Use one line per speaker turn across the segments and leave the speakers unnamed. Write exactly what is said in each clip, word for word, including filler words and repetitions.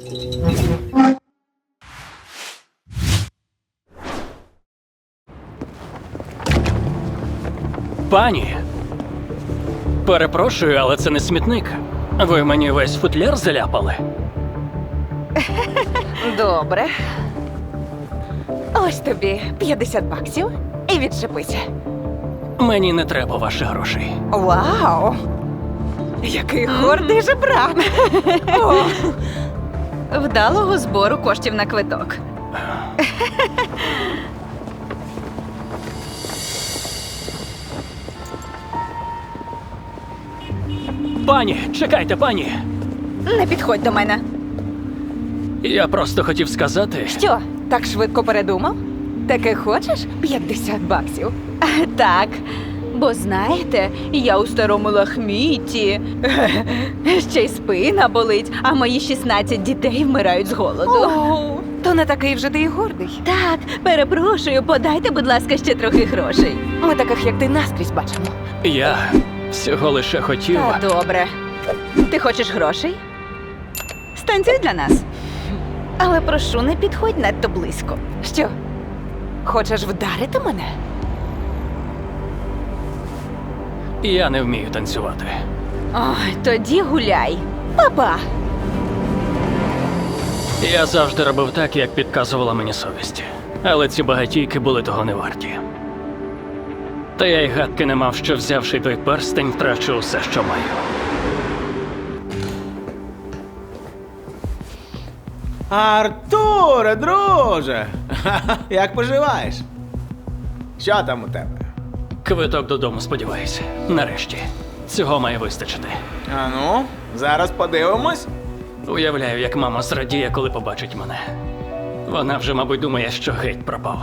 Пані, перепрошую, але це не смітник. Ви мені весь футляр заляпали.
Добре. Ось тобі п'ятдесят баксів і відчепися.
Мені не треба ваших грошей.
Вау! Який гордий жебрак! О,
Вдалого збору коштів на квиток.
Пані, чекайте, пані.
не підходь до мене.
Я просто хотів сказати.
Що, так швидко передумав? Таки хочеш п'ятдесят баксів?
Так, бо знаєте, я у старому лахміті. Ще й спина болить, а мої шістнадцять дітей вмирають з голоду.
О, то не такий вже ти й гордий.
Так, перепрошую, подайте, будь ласка, ще трохи грошей.
Ми таких, як ти, наскрізь бачимо.
Я всього лише хотів.
Та добре. Ти хочеш грошей? Станцюй для нас. Але прошу, не підходь надто близько.
Що, хочеш вдарити мене?
Я не вмію танцювати.
Ой, тоді гуляй.
Папа!
Я завжди робив так, як підказувала мені совість. Але ці багатійки були того не варті. Та я й гадки не мав, що взявши той перстень, втрачу усе, що маю.
Артуре, друже! Як поживаєш? Що там у тебе?
Квиток додому, сподіваюся. Нарешті. Цього має вистачити.
А ну, зараз подивимось.
Уявляю, як мама зрадіє, коли побачить мене. Вона вже, мабуть, думає, що геть пропав.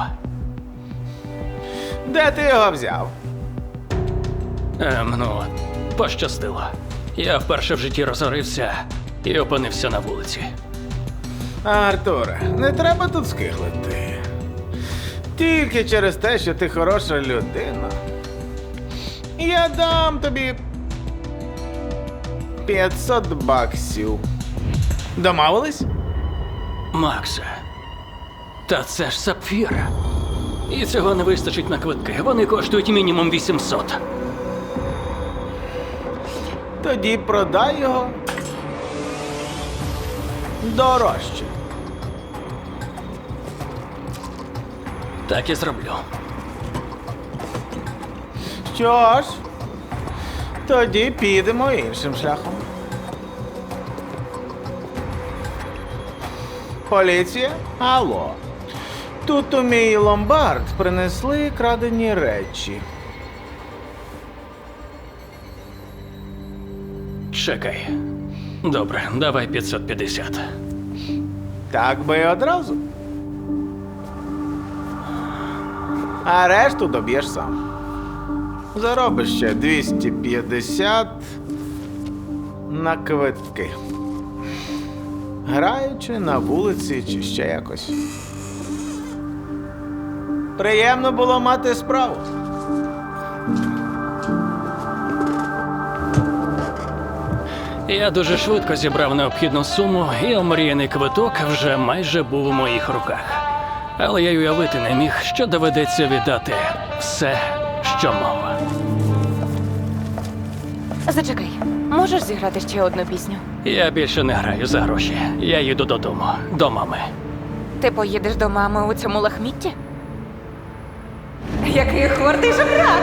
Де ти його взяв?
Ем, ну, пощастило. Я вперше в житті розорився і опинився на вулиці.
Артуре, не треба тут скиглити. Тільки через те, що ти хороша людина. Я дам тобі п'ятсот баксів. Домовились?
Максе, та це ж сапфір. І цього не вистачить на квитки. Вони коштують мінімум вісімсот.
Тоді продай його дорожче.
Так і зроблю.
Що ж, тоді підемо іншим шляхом. Поліція? Алло. Тут у мій ломбард принесли крадені речі.
Чекай. Добре, давай п'ятсот п'ятдесят.
Так би і одразу. А решту доб'єш сам. Заробиш ще двісті п'ятдесят на квитки. Граючи на вулиці чи ще якось. Приємно було мати справу.
Я дуже швидко зібрав необхідну суму, і омріяний квиток вже майже був у моїх руках. Але я й уявити не міг, що доведеться віддати все, що мав.
Зачекай, можеш зіграти ще одну пісню?
Я більше не граю за гроші. Я їду додому, до мами.
Ти поїдеш до мами у цьому лахмітті? Який гордий жебрак!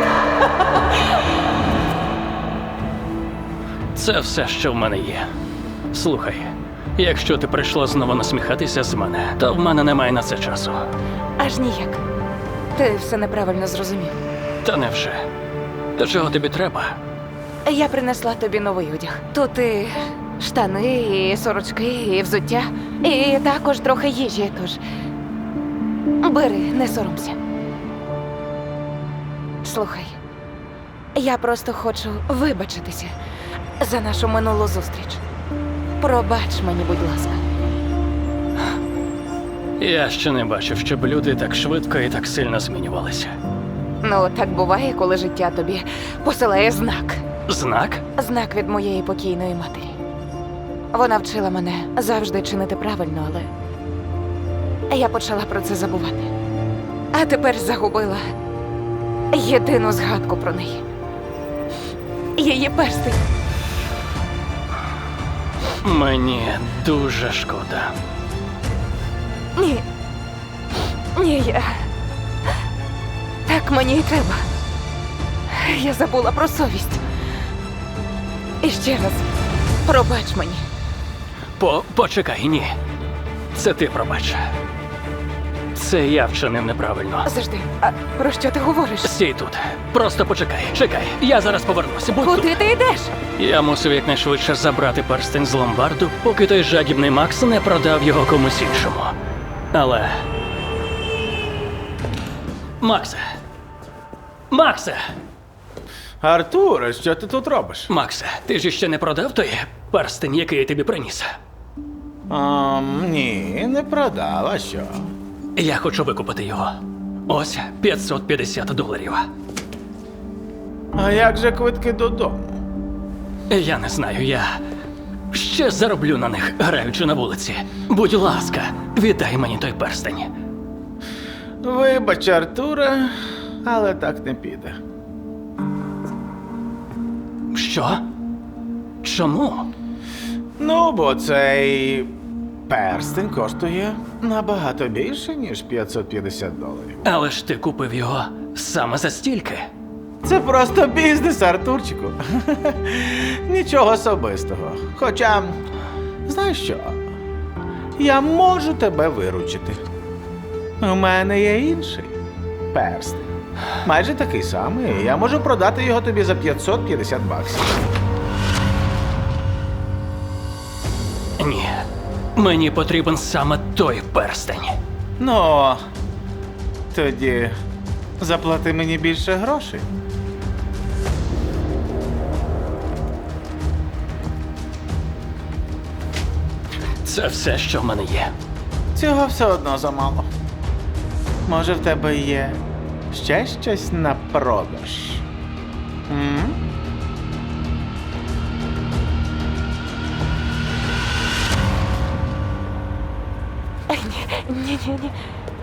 Це все, що в мене є. Слухай, якщо ти прийшла знову насміхатися з мене, то в мене немає на це часу.
Аж ніяк. Ти все неправильно зрозумів.
Та невже? До чого тобі треба?
Я принесла тобі новий одяг. Тут і штани, і сорочки, і взуття, і також трохи їжі, тож бери, не соромся. Слухай, я просто хочу вибачитися за нашу минулу зустріч. Пробач мені, будь ласка.
Я ще не бачив, щоб люди так швидко і так сильно змінювалися.
Ну, так буває, коли життя тобі посилає знак.
Знак?
Знак від моєї покійної матері. Вона вчила мене завжди чинити правильно, але я почала про це забувати. А тепер загубила єдину згадку про неї. Її перстень.
Мені дуже шкода.
Ні. Ні, я. Так мені і треба. Я забула про совість. І ще раз, пробач мені.
По почекай, ні. Це ти пробач. Це я вчинив неправильно.
Завжди. А про що ти говориш?
Стій тут. Просто почекай, чекай. Я зараз повернусь. Будь тут.
Куди ти йдеш?
Я мусив якнайшвидше забрати перстень з ломбарду, поки той жадібний Макс не продав його комусь іншому. Але. Максе! Максе!
Артуре, що ти тут робиш?
Максе, ти ж ще не продав той перстень, який я тобі приніс?
Um, ні, не продав, а що?
Я хочу викупити його. Ось п'ятсот п'ятдесят доларів.
А як же квитки додому?
Я не знаю, я ще зароблю на них, граючи на вулиці. Будь ласка, віддай мені той перстень.
Вибач, Артуре, але так не піде.
Що? Чому?
Ну, бо цей перстень коштує набагато більше, ніж п'ятсот п'ятдесят доларів.
Але ж ти купив його саме за стільки.
Це просто бізнес, Артурчику. Нічого особистого. Хоча, знаєш що? Я можу тебе виручити. У мене є інший перстень. Майже такий самий. і Я можу продати його тобі за п'ятсот п'ятдесят баксів.
Ні. Мені потрібен саме той перстень.
Ну, тоді заплати мені більше грошей.
Це все, що в мене є.
Цього все одно замало. Може, в тебе є ще щось на продаж? М?
Ні, ні, ні, ні.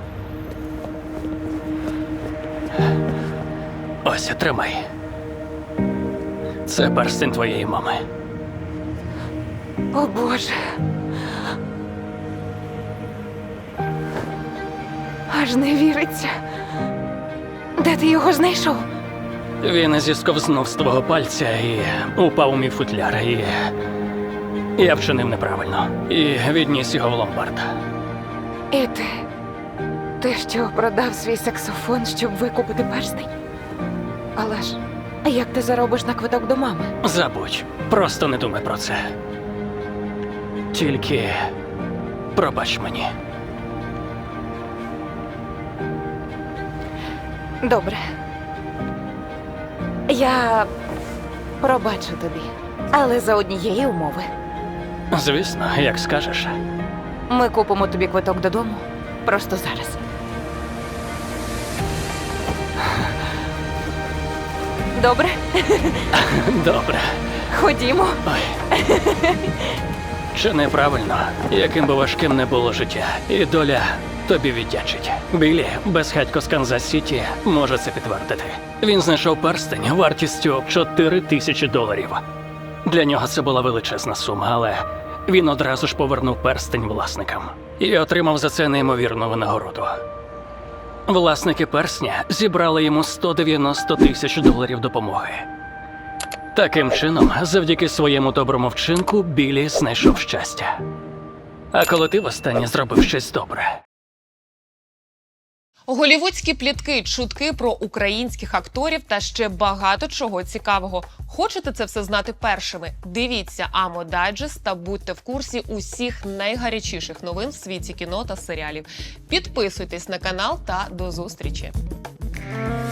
Ось, тримай. Це перстень твоєї мами.
О, Боже. Аж не віриться. Де ти його знайшов?
Він зісковзнув з твого пальця і упав у мій футляр. І я вчинив неправильно. І відніс його в ломбард.
І ти. Ти що, продав свій саксофон, щоб викупити перстень? Але ж, як ти заробиш на квиток до мами?
Забудь. Просто не думай про це. Тільки пробач мені.
Добре. Я пробачу тобі, але за однієї умови.
Звісно, як скажеш.
Ми купимо тобі квиток додому просто зараз. Добре?
Добре.
Ходімо.
Ой. Чи неправильно, яким би важким не було життя, і доля тобі віддячить. Білі, безхатько з Канзас-Сіті, може це підтвердити. Він знайшов перстень вартістю чотири тисячі доларів. Для нього це була величезна сума, але він одразу ж повернув перстень власникам і отримав за це неймовірну винагороду. Власники персня зібрали йому сто дев'яносто тисяч доларів допомоги. Таким чином, завдяки своєму доброму вчинку, Білі знайшов щастя. А коли ти востаннє зробив щось добре?
Голівудські плітки, чутки про українських акторів та ще багато чого цікавого. Хочете це все знати першими? Дивіться Амо Дайджест та будьте в курсі усіх найгарячіших новин в світі кіно та серіалів. Підписуйтесь на канал та до зустрічі!